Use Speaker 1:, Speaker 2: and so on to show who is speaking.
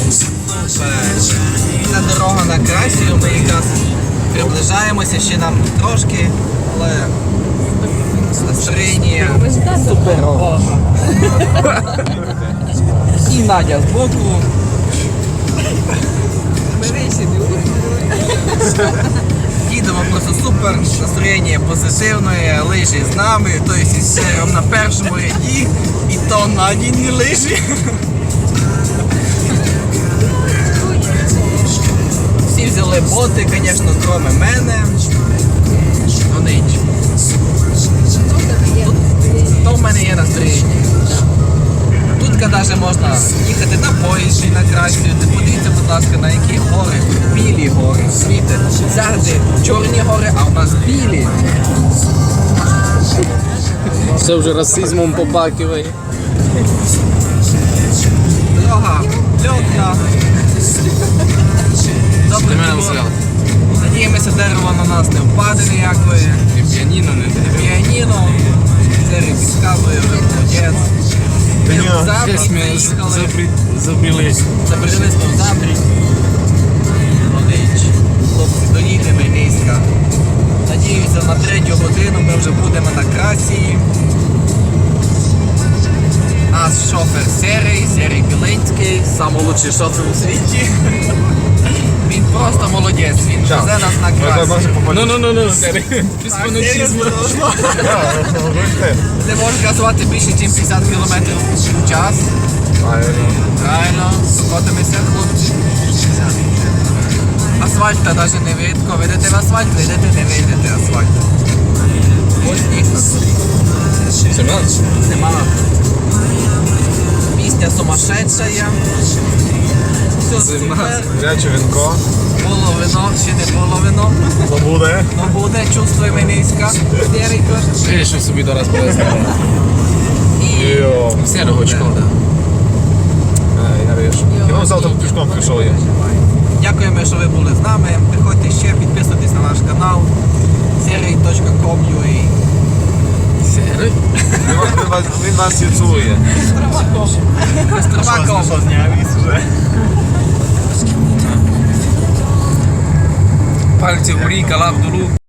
Speaker 1: Вільна дорога на Красію, ми якраз приближаємося, ще нам трошки, але настроєння суперово. І Надя збоку. Їдемо просто супер, настроєння позитивне, лижі з нами, тобто із сером на першому ряді, і то Надіні лижі. Всі взяли боти, звісно, кроме мене. Ну нічого. То в мене є настроєння. Тут навіть можна їхати на поїзді на Красію. Подивіться, будь ласка, на які гори. Білі гори. Світи. Завжди чорні гори, а у нас білі.
Speaker 2: Все вже расизмом попакиває.
Speaker 1: Дорога льотна. Добре, надіємося, дерево на нас не впаде ніякої.
Speaker 2: І піаніно не дерево.
Speaker 1: Піаніно. Серій підказує, вже молодець.
Speaker 2: Забрілись.
Speaker 1: Забрались в Забрі. Молодець. Хлопці, доїдемо низько. Надіюся, на 3 годину ми вже будемо на Красії. Наш шофер Серій Біленський, найкращий шофер у світі. Він просто молодець, він везе нас на Красію.
Speaker 2: Ну, без фанатизму.
Speaker 1: Не можеш газувати більше, ніж 50 км в час. Правильно, скотимося, хлопці. Асфальта навіть не видко. Видите в асфальт, видите, не видите асфальт. Ось сніг. Нема. Пісня сумасшедшая. Все супер.
Speaker 3: Гаряче вінко.
Speaker 1: Було вино, ще не було вино.
Speaker 3: То буде.
Speaker 1: Но буде, чувствуємо низько.
Speaker 2: Вирішив собі до раз повезти.
Speaker 3: Йо.
Speaker 2: Сірого шкода.
Speaker 3: Я вірю. Я завтра пішком прийшов я.
Speaker 1: Дякуємо, що ви були з нами. Приходьте ще, підписуйтесь на наш канал sery.com.ua.
Speaker 2: Сірий?
Speaker 3: Він нас і цілує.
Speaker 1: Костромаком.
Speaker 2: Пальці в рік, лап долу.